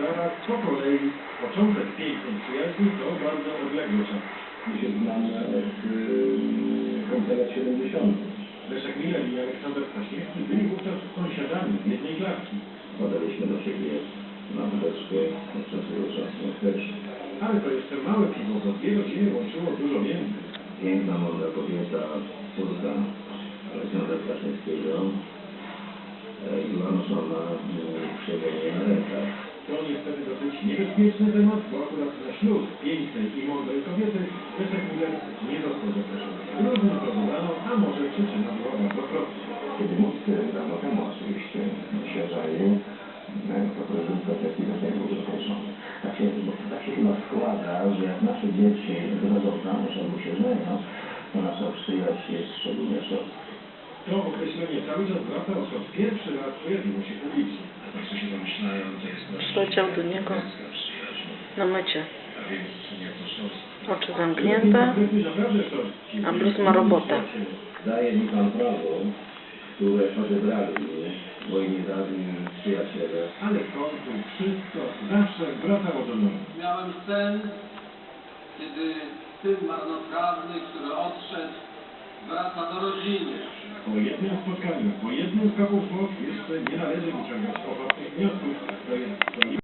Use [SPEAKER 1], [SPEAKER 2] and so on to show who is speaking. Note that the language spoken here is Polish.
[SPEAKER 1] latach po kolei początek pięknej przyjaźni to bardzo odległy czas.
[SPEAKER 2] My się znamy od końca lat 70.
[SPEAKER 1] Leszek Miller i Aleksander Kwaśniewski byli wówczas sąsiadami z jednej klatki.
[SPEAKER 2] Podaliśmy do siebie na wódeczkę od czasu do czasu też.
[SPEAKER 1] Ale to jeszcze małe piwo, bo dwie rodziny łączyło dużo więcej.
[SPEAKER 2] Piękna, mądra kobieta, córka Aleksandra Kwaśniewskiego. Była noszona przewoźnie na rękach.
[SPEAKER 1] To niestety dosyć niebezpieczny temat, bo akurat na ślub pięknej i mądrej kobiety Leszek Miller nie został zaproszony. Różnie to dodano, a może przyczyna była bardzo prosta.
[SPEAKER 2] Kiedy nikt dawno temu oczywiście się żalił, to prezydent Kwaśniewski do tego był zaproszony. Tak się chyba składa, że jak nasze dzieci wychodzą w zamąż albo się żenią, to nasza przyjaźń jest szczególnie szorstka.
[SPEAKER 1] To określenie cały czas wraca, odkąd pierwszy raz pojawiło się publicznie.
[SPEAKER 3] Wszyscy się domyślają, to jest nasza
[SPEAKER 4] Przyleciał do niego
[SPEAKER 3] przyjaźń.
[SPEAKER 4] na mycie.
[SPEAKER 3] A więc nie to szorstwo.
[SPEAKER 4] Oczy zamknięte, a Bruce ma robotę.
[SPEAKER 2] Daje mi pan prawo, które odebrali mi moi niedawni przyjaciele.
[SPEAKER 1] Ale w końcu wszystko zawsze wracało do domu.
[SPEAKER 5] Miałem sen, kiedy syn marnotrawny, który odszedł, wraca do rodziny.
[SPEAKER 1] Po jednym spotkaniu, po jednym skoku w bok jeszcze nie należy wyciągać poważnych wniosków. To jest